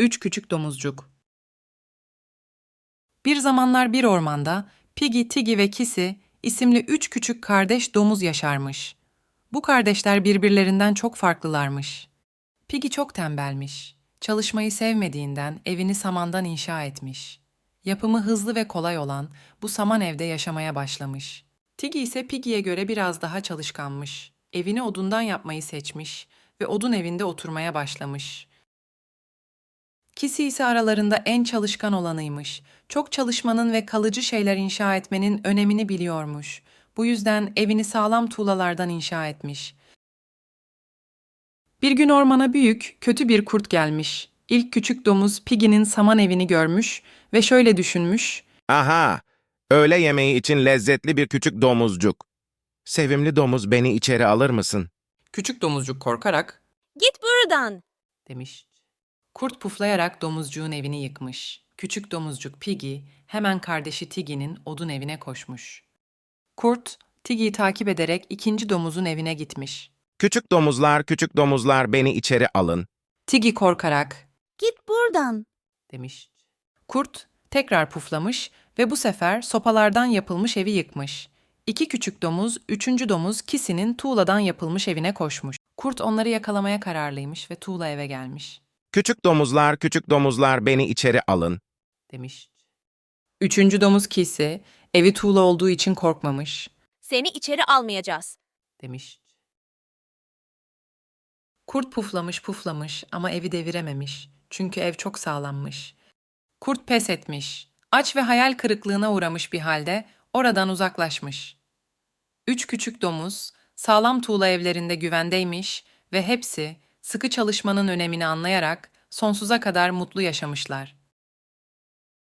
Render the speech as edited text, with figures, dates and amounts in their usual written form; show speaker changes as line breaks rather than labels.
Üç küçük domuzcuk. Bir zamanlar bir ormanda Piggy, Tiggy ve Kissy isimli üç küçük kardeş domuz yaşarmış. Bu kardeşler birbirlerinden çok farklılarmış. Piggy çok tembelmiş. Çalışmayı sevmediğinden evini samandan inşa etmiş. Yapımı hızlı ve kolay olan bu saman evde yaşamaya başlamış. Tiggy ise Piggy'ye göre biraz daha çalışkanmış. Evini odundan yapmayı seçmiş ve odun evinde oturmaya başlamış. Kisi ise aralarında en çalışkan olanıymış. Çok çalışmanın ve kalıcı şeyler inşa etmenin önemini biliyormuş. Bu yüzden evini sağlam tuğlalardan inşa etmiş. Bir gün ormana büyük, kötü bir kurt gelmiş. İlk küçük domuz Piggy'nin saman evini görmüş ve şöyle düşünmüş.
Aha! Öğle yemeği için lezzetli bir küçük domuzcuk. Sevimli domuz, beni içeri alır mısın?
Küçük domuzcuk korkarak,
Git buradan.
demiş. Kurt puflayarak domuzcuğun evini yıkmış. Küçük domuzcuk Piggy hemen kardeşi Tiggy'nin odun evine koşmuş. Kurt, Tiggy'yi takip ederek ikinci domuzun evine gitmiş.
Küçük domuzlar beni içeri alın.
Tiggy korkarak,
Git buradan.
demiş. Kurt tekrar puflamış ve bu sefer sopalardan yapılmış evi yıkmış. İki küçük domuz, üçüncü domuz Kissy'nin tuğladan yapılmış evine koşmuş. Kurt onları yakalamaya kararlıymış ve tuğla eve gelmiş,
Küçük domuzlar beni içeri alın.
demiş. Üçüncü domuz Kissy, evi tuğla olduğu için korkmamış,
Seni içeri almayacağız.
demiş. Kurt puflamış ama evi devirememiş. Çünkü ev çok sağlammış. Kurt pes etmiş. Aç ve hayal kırıklığına uğramış bir halde oradan uzaklaşmış. Üç küçük domuz sağlam tuğla evlerinde güvendeymiş ve hepsi sıkı çalışmanın önemini anlayarak sonsuza kadar mutlu yaşamışlar.